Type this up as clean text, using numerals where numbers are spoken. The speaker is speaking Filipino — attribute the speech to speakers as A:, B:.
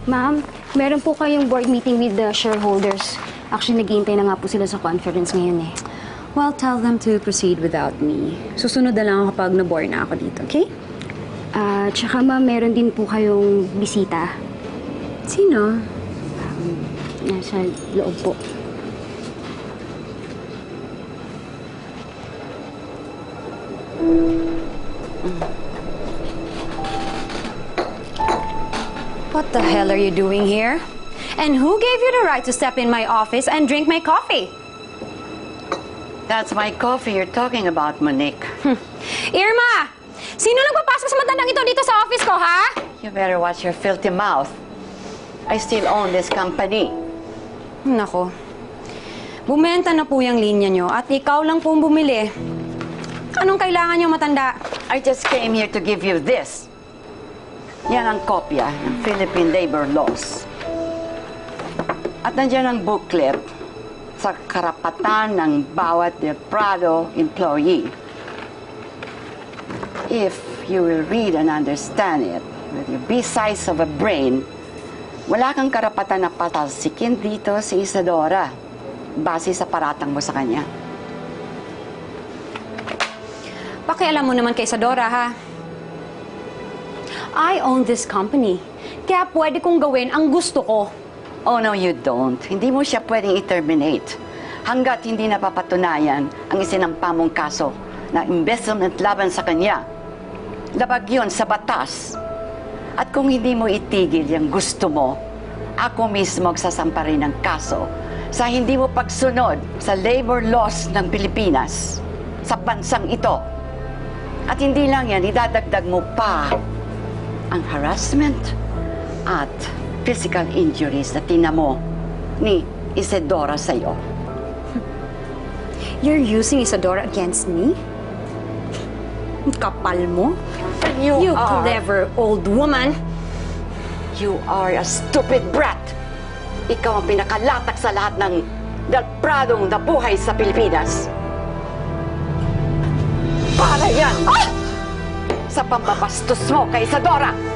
A: Ma'am, meron po kayong board meeting with the shareholders. Actually, naghihintay na nga po sila sa conference ngayon eh.
B: Well, tell them to proceed without me. Susunod na lang ako kapag na-bore na ako dito, okay?
A: Tsaka ma'am, meron din po kayong bisita.
B: Sino?
A: Nasa loob po.
B: What the hell are you doing here? And who gave you the right to step in my office and drink my coffee?
C: That's my coffee you're talking about, Monique.
B: Irma! Sino nagpapasok sa matandang ito dito sa office ko, ha?
C: You better watch your filthy mouth. I still own this company.
B: Nako. Bumenta na po yung linya nyo at ikaw lang pong bumili. Anong kailangan nyo, matanda?
C: I just came here to give you this. Yan ang kopya ng Philippine Labor Laws. At nandiyan ang booklet sa karapatan ng bawat Prado employee. If you will read and understand it, with your bee-size of a brain, wala kang karapatan na patalsikin dito si Isadora base sa paratang mo sa kanya.
B: Pakialam mo naman kay Isadora, ha? I own this company. Kaya pwede kong gawin ang gusto ko.
C: Oh, no, you don't. Hindi mo siya pwedeng i-terminate hanggat hindi napapatunayan ang isinampa mong kaso na embezzlement laban sa kanya. Labag yun sa batas. At kung hindi mo itigil yung gusto mo, ako mismo magsasampa rin ng kaso sa hindi mo pagsunod sa labor laws ng Pilipinas sa bansang ito. At hindi lang yan, idadagdag mo pa ang harassment at physical injuries na tinamo ni Isadora sa'yo.
B: You're using Isadora against me? Ang kapal mo? You clever old woman!
C: You are a stupid brat! Ikaw ang pinakalatak sa lahat ng dalpradong nabuhay sa Pilipinas. Para yan! Sa pambabastos mo kay Isadora!